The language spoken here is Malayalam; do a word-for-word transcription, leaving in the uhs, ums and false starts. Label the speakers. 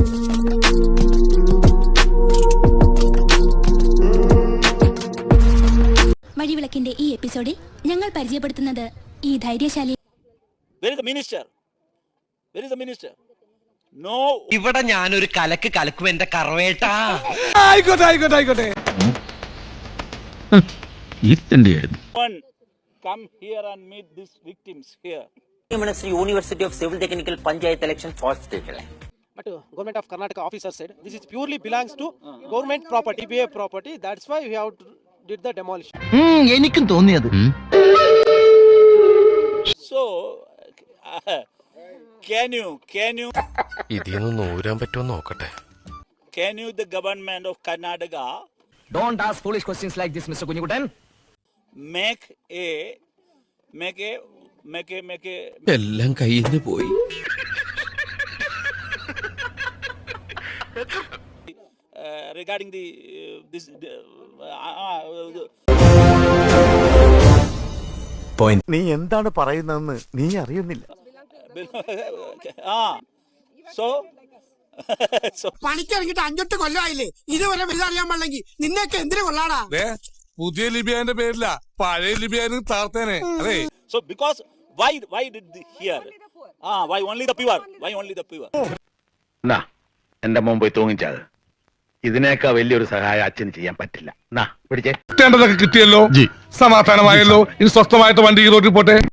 Speaker 1: വഴിവിളക്കിന്റെ ഈ എപ്പിസോഡിൽ ഞങ്ങൾ പരിചയപ്പെടുത്തുന്നത് ഈ ധൈര്യശാലി.
Speaker 2: ഇവിടെ ഞാനൊരു കലക്ക് കലക്കും എന്റെ കറവേട്ടാ.
Speaker 3: ആയിക്കോട്ടെ ആയിക്കോട്ടെ ആയിക്കോട്ടെ.
Speaker 4: University of Civil Technical Panchayat election first stage.
Speaker 5: But uh, government of Karnataka officer said this is purely belongs to uh, government property, B A property. That's why we have to did the demolition.
Speaker 2: എനിക്കും തോന്നിയത്.
Speaker 6: So uh, can you can you
Speaker 7: ഇതിന്ന് നൂരാൻ പറ്റുമോ നോക്കട്ടെ.
Speaker 6: Can you the government of Karnataka
Speaker 2: Don't ask foolish questions like this, Mister Kunyikutan.
Speaker 6: make a make a make a make a
Speaker 7: എല്ലാം കയ്യിൽ നിന്ന് പോയി.
Speaker 6: uh, regarding the uh, this uh, uh,
Speaker 3: point. നീ എന്താണ് പറയുന്നതെന്ന് നീ അറിയുന്നില്ല.
Speaker 6: ah so so
Speaker 8: പണിക്കിറങ്ങിട്ട് അഞ്ചെട്ട് കൊല്ലമായില്ലേ, ഇതുവരെ വലുതറിയാൻ പാടില്ലെങ്കിൽ നിന്നെയൊക്കെ എന്തിനു കൊള്ളാടാ?
Speaker 9: പുതിയ ലിബിയാന്റെ പേരില്ല, പഴയ ലിബിയാനും താർത്തേനെ. അതെ.
Speaker 6: So because why why did the here ah why only the pure why only the pure
Speaker 10: നാ എന്റെ മോൻ പോയി തൂങ്ങിച്ചത്. ഇതിനേക്കാ വലിയൊരു സഹായം അച്ഛന് ചെയ്യാൻ പറ്റില്ല. നാ പിടിച്ചേ.
Speaker 9: കിട്ടേണ്ടതൊക്കെ കിട്ടിയല്ലോ, സമാധാനമായല്ലോ. ഇനി സ്വസ്ഥമായിട്ട് വണ്ടി ഈ റോഡിൽ പോട്ടെ.